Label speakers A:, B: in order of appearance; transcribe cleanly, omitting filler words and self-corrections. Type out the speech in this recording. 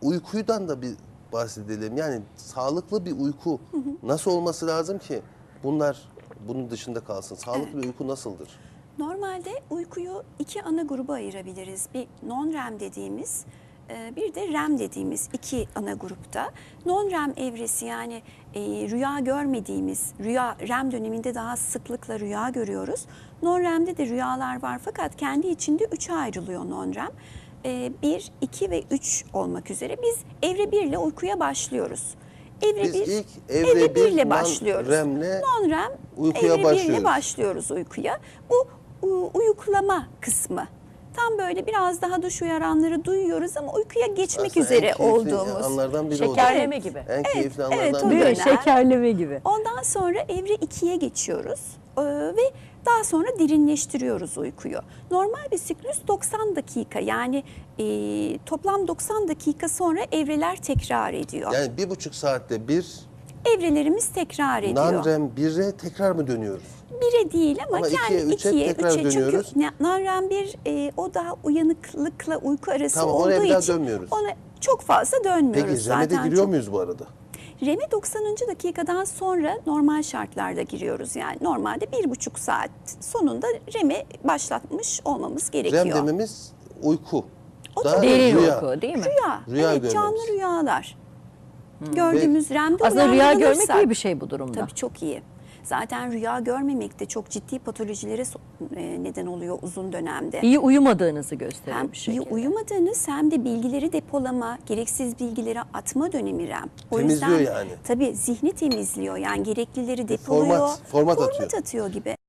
A: uykudan da bir bahsedelim. Yani sağlıklı bir uyku nasıl olması lazım ki bunun dışında kalsın? Sağlıklı bir uyku nasıldır?
B: Normalde uykuyu iki ana gruba ayırabiliriz. Bir non-REM dediğimiz, bir de REM dediğimiz iki ana grupta. Non-REM evresi yani rüya görmediğimiz, REM döneminde daha sıklıkla rüya görüyoruz. Non-REM'de de rüyalar var fakat kendi içinde üçe ayrılıyor non-REM. 1, 2 ve 3 olmak üzere biz evre 1 ile uykuya başlıyoruz.
A: Biz ilk
B: evre 1 ile başlıyoruz. Non-REM
A: uykuya
B: evre 1 ile başlıyoruz uykuya. Bu uyuklama kısmı. Tam böyle biraz daha duş uyaranları duyuyoruz ama uykuya geçmek
A: Aslında
B: üzere olduğumuz.
A: anlardan biri
C: Şekerleme gibi.
A: En keyifli
B: evet,
A: anlardan
B: o
A: biri.
B: dönem.
C: Şekerleme gibi.
B: Ondan sonra evre 2'ye geçiyoruz ve daha sonra derinleştiriyoruz uykuyu. Normal bir siklüs 90 dakika yani toplam 90 dakika sonra evreler tekrar ediyor.
A: Yani 1,5 saatte bir
B: Evrelerimiz tekrar ediyor.
A: non-REM 1'e tekrar mı dönüyoruz?
B: 1'e değil ama,
A: Ama
B: kendi
A: 2'ye, 3'e tekrar
B: 3'e.
A: dönüyoruz.
B: Çünkü non-REM 1 o daha uyanıklıkla uyku arası
A: Tamam,
B: olduğu
A: oraya bir daha
B: için
A: dönmüyoruz.
B: ona çok fazla dönmüyoruz
A: Peki
B: zaten.
A: REM'e de giriyor muyuz bu arada?
B: REM'e 90. dakikadan sonra normal şartlarda giriyoruz. Yani normalde 1,5 saat sonunda REM'e başlatmış olmamız gerekiyor.
A: REM dememiz uyku.
B: O
A: Daha
B: da
C: Derin
A: rüya.
C: uyku değil mi?
A: Rüya
B: evet, canlı
A: görmemiz.
B: rüyalar. Gördüğümüz REM'de
C: Aslında rüya görmek
B: uyandırılırsak-
C: iyi bir şey bu durumda.
B: Tabii çok iyi. Zaten rüya görmemek de çok ciddi patolojilere neden oluyor uzun dönemde.
C: İyi uyumadığınızı gösteriyor
B: Hem
C: bir
B: iyi
C: şekilde.
B: uyumadığınız hem de bilgileri depolama, gereksiz bilgileri atma dönemi REM. O
A: Temizliyor
B: yüzden,
A: yani.
B: Tabii zihni temizliyor yani gereklileri depoluyor.
A: Format atıyor.
B: Format atıyor gibi.